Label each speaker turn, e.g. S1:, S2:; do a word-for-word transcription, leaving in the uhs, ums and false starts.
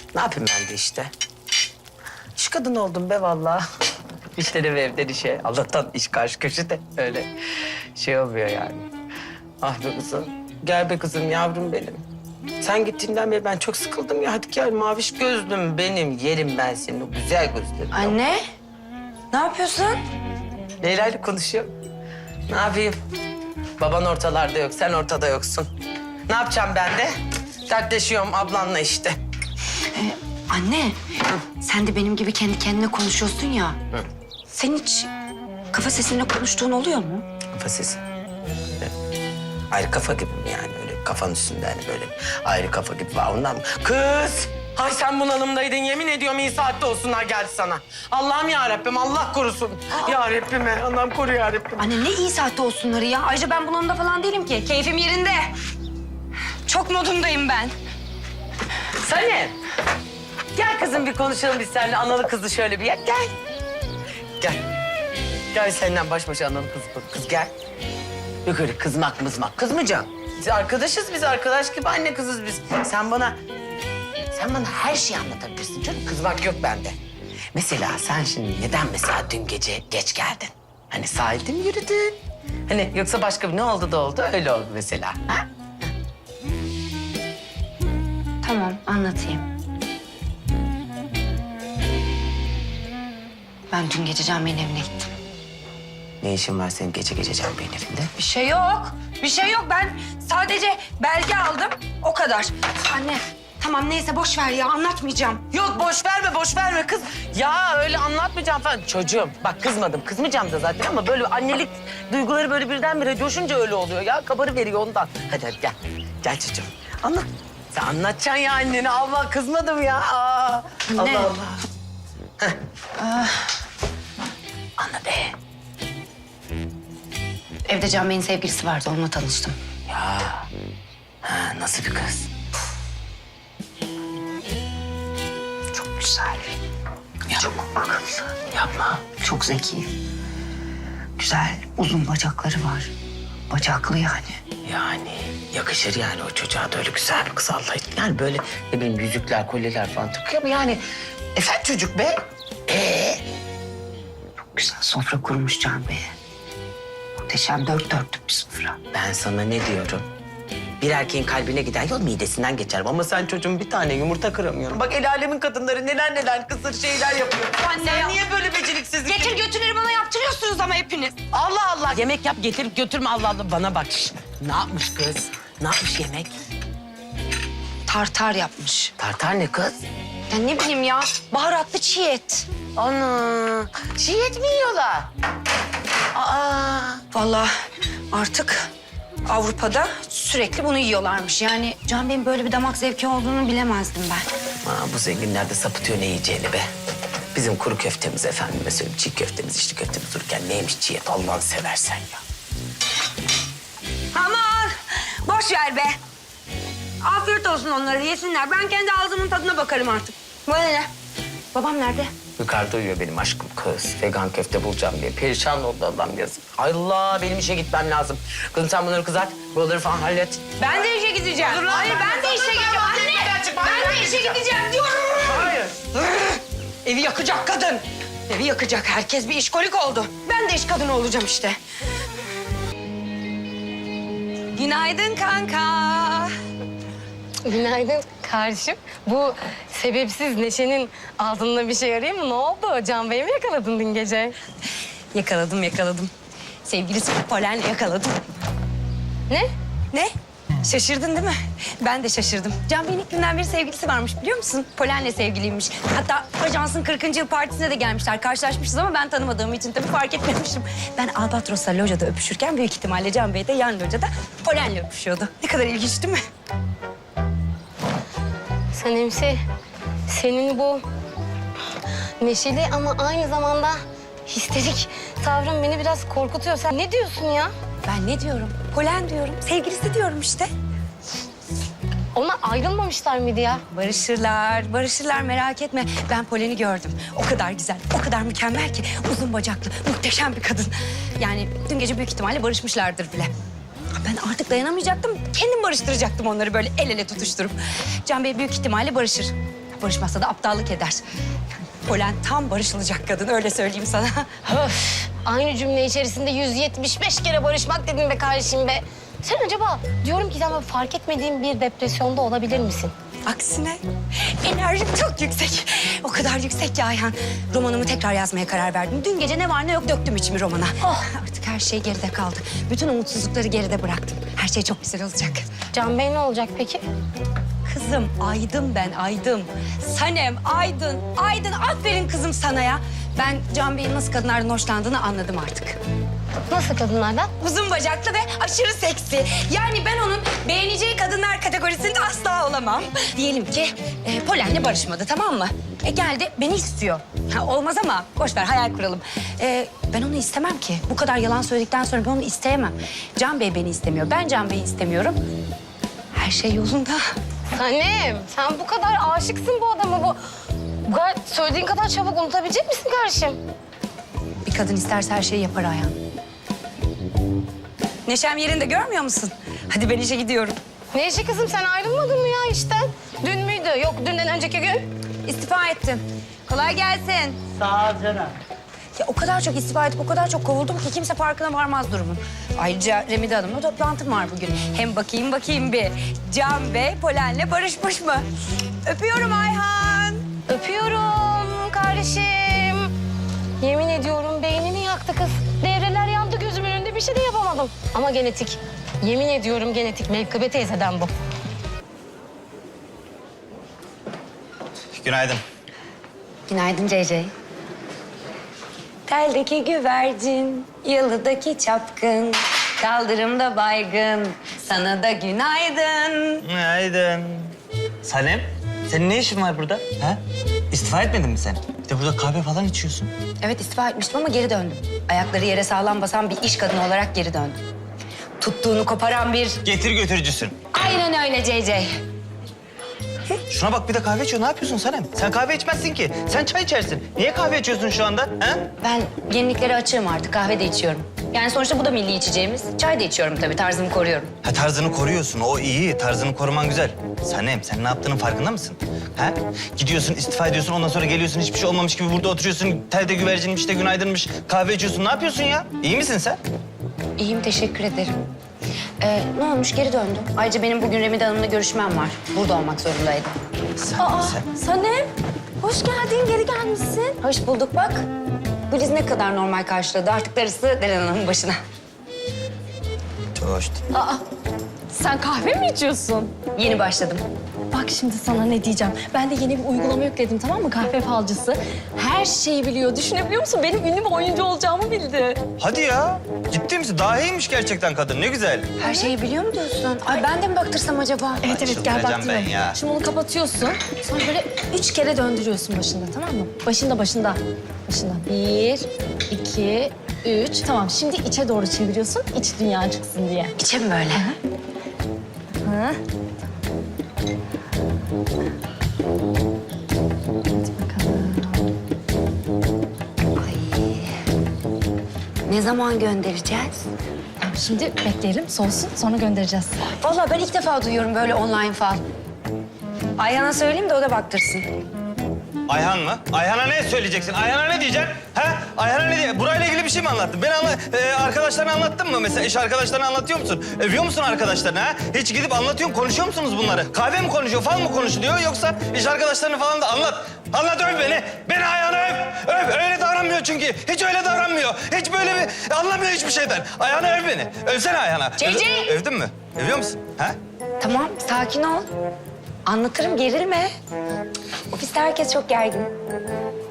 S1: Ne yapayım ben de işte. İş kadını oldum be vallahi. İşleri ve evden işe. Allah'tan iş karşı köşede. Öyle şey olmuyor yani. Ah be kızım. Gel be kızım yavrum benim. Sen gittiğinden beri ben çok sıkıldım ya. Hadi gel maviş gözlüm benim. Yerim ben senin o güzel gözlerini.
S2: Anne, ne yapıyorsun?
S1: Leyla ile konuşuyorum. Ne yapayım? Baban ortalarda yok, sen ortada yoksun. Ne yapacağım ben de? Dertleşiyorum ablanla işte.
S2: Ee, anne, sen de benim gibi kendi kendine konuşuyorsun ya.
S1: Hı.
S2: Sen hiç kafa sesinle konuştuğun oluyor mu?
S1: Kafa sesi. Ayrı kafa gibi mi yani? Öyle kafanın üstünde hani böyle ayrı kafa gibi var ondan mı? Kız! Ay sen bunalımdaydın yemin ediyorum iyi saatte olsunlar geldi sana. Allah'ım ya Rabbim Allah korusun. Ya Rabbim Allah'ım koru ya Rabbim.
S2: Anne ne iyi saatte olsunları ya. Ayrıca ben bunalımda falan değilim ki. Keyfim yerinde. Çok modumdayım ben.
S1: Sanem. Gel kızım bir konuşalım biz seninle analı kızı şöyle bir yer. Gel. Gel. Gel seninle baş başa analı kız kız, kız gel. Yok öyle kızmak mızmak. Kızmayacağım. Biz arkadaşız biz arkadaş gibi anne kızız biz. Sen bana sen bana her şeyi anlatabilirsin canım. Kızmak yok bende. Mesela sen şimdi neden mesela dün gece geç geldin? Hani sahilde mi yürüdün? Hani yoksa başka bir ne oldu da oldu öyle oldu mesela. Ha?
S2: Tamam, anlatayım. Ben dün gece Can Bey'in evine gittim.
S1: Ne işin var senin gece gece Can Bey'in evinde?
S2: Bir şey yok. Bir şey yok. Ben sadece belge aldım. O kadar. Anne, tamam neyse boş ver ya. Anlatmayacağım.
S1: Yok boş verme boş verme kız. Ya öyle anlatmayacağım falan. Çocuğum bak kızmadım kızmayacağım da zaten ama böyle annelik duyguları böyle birdenbire coşunca öyle oluyor ya. Kabarı veriyor ondan. Hadi hadi gel. Gel çocuğum. Anlat. Sen anlatacaksın ya annene. Allah kızmadım ya. Aa,
S2: Anne.
S1: Allah Allah. Heh. Anla be.
S2: Evde Can Bey'in sevgilisi vardı. Onunla tanıştım.
S1: Ya. Ha, nasıl bir kız?
S2: Çok güzel.
S1: Ya.
S2: Çok akıllı.
S1: Yapma.
S2: Çok zeki. Güzel, uzun bacakları var. Bacaklı yani.
S1: Yani yakışır yani o çocuğa da öyle güzel bir kız Allah için. Yani böyle ne bileyim yüzükler, kolyeler falan takıyor ama yani efendim çocuk be. Ee?
S2: Çok güzel sofra kurmuş Can Bey'e. Muhteşem dört dörtlük bir sofra.
S1: Ben sana ne diyorum? Bir erkeğin kalbine giden yol midesinden geçer. Ama sen çocuğun bir tane yumurta kıramıyorsun. Bak el alemin kadınları neler neler kısır şeyler yapıyor.
S2: Anne
S1: sen
S2: ya.
S1: niye böyle beceriksizlik?
S2: Getir götürleri bana yaptırıyorsunuz ama hepiniz.
S1: Allah Allah. Yemek yap getirip götürme Allah Allah. Bana bak. Şişt. Ne yapmış kız? Ne yapmış yemek?
S2: Tartar yapmış.
S1: Tartar ne kız?
S2: Ya ne bileyim ya, baharatlı çiğ et.
S1: Ana. Çiğ et mi yiyorlar? Aa.
S2: Vallahi artık Avrupa'da sürekli bunu yiyorlarmış. Yani Can Bey'in böyle bir damak zevki olduğunu bilemezdim ben.
S1: Aa, bu zenginler de sapıtıyor ne yiyeceğini be. Bizim kuru köftemiz efendime söyleyeyim. Çiğ köftemiz, içli köftemiz dururken neymiş çiğ et Allah'ını seversen ya.
S2: Aman boş ver be. Afiyet olsun onlara yesinler. Ben kendi ağzımın tadına bakarım artık. Bana ne? Babam nerede?
S1: Yukarıda uyuyor benim aşkım kız. Vegan köfte bulacağım diye. Perişan oldu Allah'ım yazık. Allah benim işe gitmem lazım. Kızım sen bunları kızart, buraları falan hallet.
S2: Ben de işe gideceğim.
S1: Dur lan,
S2: Hayır
S1: ben
S2: ben,
S1: de
S2: de işe
S1: dur,
S2: gideceğim
S1: ben
S2: anne.
S1: evden çıkmam,
S2: Ben
S1: ben
S2: de işe
S1: gideceğim.
S2: gideceğim diyorum.
S1: Hayır.
S2: Evi yakacak kadın. Evi yakacak. Herkes bir işkolik oldu. Ben de iş kadını olacağım işte. Günaydın kanka.
S3: Günaydın kardeşim. Bu sebepsiz Neşe'nin altında bir şey arayayım mı? Ne oldu? Can Bey'i mi yakaladın dün gece?
S2: Yakaladım yakaladım. Sevgilisi Polen'le yakaladım.
S3: Ne?
S2: Ne? Şaşırdın değil mi? Ben de şaşırdım. Can Bey'in ilk günden beri sevgilisi varmış biliyor musun? Polen'le sevgiliymiş. Hatta ajansın kırkıncı yıl partisine de gelmişler. Karşılaşmışız ama ben tanımadığım için tabii fark etmemişim. Ben Albatros'la lojada öpüşürken büyük ihtimalle Can Bey de yan lojada Polen'le öpüşüyordu. Ne kadar ilginç değil mi?
S3: Sanemsi, senin bu neşeli ama aynı zamanda histerik tavrın beni biraz korkutuyor. Sen ne diyorsun ya?
S2: Ben ne diyorum? Polen diyorum. Sevgilisi diyorum işte.
S3: Onlar ayrılmamışlar mıydı ya?
S2: Barışırlar, barışırlar merak etme. Ben Polen'i gördüm. O kadar güzel, o kadar mükemmel ki. Uzun bacaklı, muhteşem bir kadın. Yani dün gece büyük ihtimalle barışmışlardır bile. Ben artık dayanamayacaktım. Kendim barıştıracaktım onları böyle el ele tutuşturup. Can Bey büyük ihtimalle barışır. Barışmazsa da aptallık eder. Polen tam barışılacak kadın, öyle söyleyeyim sana.
S3: Öf, aynı cümle içerisinde yüz yetmiş beş kere barışmak dedin be kardeşim be. Sen acaba diyorum ki sen böyle fark etmediğin bir depresyonda olabilir misin?
S2: Aksine enerjim çok yüksek. O kadar yüksek ki Ayhan. Romanımı tekrar yazmaya karar verdim. Dün gece ne var ne yok döktüm içimi romana. Oh, artık her şey geride kaldı. Bütün umutsuzlukları geride bıraktım. Her şey çok güzel olacak.
S3: Can Bey ne olacak peki?
S2: Kızım Aydın ben Aydın. Sanem Aydın. Aydın aferin kızım sana ya. Ben Can Bey'in nasıl kadınlardan hoşlandığını anladım artık.
S3: Nasıl kadınlardan?
S2: Uzun bacaklı ve aşırı seksi. Yani ben onun beğeneceği kadınlar kategorisinde asla olamam. Diyelim ki e, Polen'le barışmadı, tamam mı? E geldi beni istiyor. Ha, olmaz ama boş ver, hayal kuralım. E, ben onu istemem ki. Bu kadar yalan söyledikten sonra ben onu isteyemem. Can Bey beni istemiyor. Ben Can Bey'i istemiyorum. Her şey yolunda.
S3: Sanem, sen bu kadar aşıksın bu adama. Bu, bu kadar söylediğin kadar çabuk unutabilecek misin kardeşim?
S2: Bir kadın isterse her şeyi yapar Ayhan. Neşem yerinde, görmüyor musun? Hadi ben işe gidiyorum.
S3: Ne işi kızım, sen ayrılmadın mı ya işten? Dün müydü? Yok, dünden önceki gün.
S2: İstifa ettim. Kolay gelsin.
S4: Sağ ol canım.
S2: Ya o kadar çok istifa edip o kadar çok kovuldum ki kimse farkına varmaz durumun. Ayrıca Remide Hanım'la toplantım var bugün. Hem bakayım bakayım bir. Can Bey Polen'le barışmış mı? Öpüyorum Ayhan.
S3: Öpüyorum kardeşim. Yemin ediyorum beynini yaktı kız. Devreler yandı gözümün önünde, bir şey de yapamadım. Ama genetik. Yemin ediyorum genetik. Mevkıbe teyzeden bu.
S4: Günaydın.
S2: Günaydın C C. Teldeki güvercin, yalıdaki çapkın, kaldırımda baygın, sana da günaydın.
S4: Günaydın. Sanem, senin ne işin var burada? Ha? İstifa etmedin mi sen? Bir de burada kahve falan içiyorsun.
S2: Evet, istifa etmiştim ama geri döndüm. Ayakları yere sağlam basan bir iş kadını olarak geri döndüm. Tuttuğunu koparan bir...
S4: Getir götürücüsün.
S2: Aynen öyle C C.
S4: Şuna bak, bir de kahve içiyor. Ne yapıyorsun Sanem? Sen kahve içmezsin ki. Sen çay içersin. Niye kahve içiyorsun şu anda? Ha?
S2: Ben yeniliklere açığım artık, kahve de içiyorum. Yani sonuçta bu da milli içeceğimiz. Çay da içiyorum tabii, tarzımı koruyorum.
S4: Ha, tarzını koruyorsun. O iyi. Tarzını koruman güzel. Sanem, sen ne yaptığının farkında mısın? Ha? Gidiyorsun, istifa ediyorsun. Ondan sonra geliyorsun, hiçbir şey olmamış gibi burada oturuyorsun. Telde güvercinmiş de günaydınmış. Kahve içiyorsun. Ne yapıyorsun ya? İyi misin sen?
S2: İyiyim, teşekkür ederim. Ee, ne olmuş, geri döndüm. Ayrıca benim bugün Remide Hanım'la görüşmem var. Burada olmak zorundaydım.
S4: Sen,
S2: Aa,
S4: sen...
S2: Sanem, hoş geldin, geri gelmişsin. Hoş bulduk bak. Güliz ne kadar normal karşıladı. Artık darısı Deren Hanım'ın başına.
S4: Çok hoştu.
S5: Aa, sen kahve mi içiyorsun?
S2: Yeni başladım.
S5: Bak şimdi sana ne diyeceğim. Ben de yeni bir uygulama yükledim, tamam mı? Kahve falcısı. Her şeyi biliyor. Düşünebiliyor musun? Benim ünlü bir oyuncu olacağımı bildi.
S4: Hadi ya. Ciddi misin? Daha iyiymiş gerçekten kadın. Ne güzel.
S2: Her şeyi biliyor mu diyorsun? Ay ben de mi baktırsam acaba?
S5: Evet evet, gel
S4: çıldıracağım
S5: baktıralım.
S4: ben ya.
S5: Şimdi onu kapatıyorsun. Sonra böyle üç kere döndürüyorsun başında, tamam mı? Başında, başında. Başında. Bir, iki, üç. Tamam, şimdi içe doğru çeviriyorsun. İç dünya çıksın diye.
S2: İçe mi böyle?
S5: Ha?
S2: Ne zaman göndereceğiz?
S5: Tamam, şimdi bekleyelim, soğusun. Sonra göndereceğiz.
S2: Vallahi ben ilk defa duyuyorum böyle online fal. Ayhan'a söyleyeyim de o da baktırsın.
S4: Ayhan mı? Ayhan'a ne söyleyeceksin? Ayhan'a ne diyeceksin? Ha? Ayhan'a ne diye? Burayla ilgili bir şey mi anlattın? Ben anla e, arkadaşlarına anlattın mı mesela? İş arkadaşlarına anlatıyor musun? Övüyor musun arkadaşlarına ha? Hiç gidip anlatıyor musun? Konuşuyor musunuz bunları? Kahve mi konuşuyor, fal mı konuşuluyor? Yoksa iş arkadaşlarını falan da anlat. Anlat, öv beni. Beni Ayhan'a öv. Öv. Öyle davranmıyor çünkü. Hiç öyle davranmıyor. Hiç böyle bir... Anlamıyor hiçbir şeyden. Ayhan'a öv beni. Övsene Ayhan'a.
S2: C C!
S4: Öv- övdün mü? Övüyor musun? Ha?
S2: Tamam, sakin ol. Anlatırım, gerilme. Ofiste herkes çok gergin.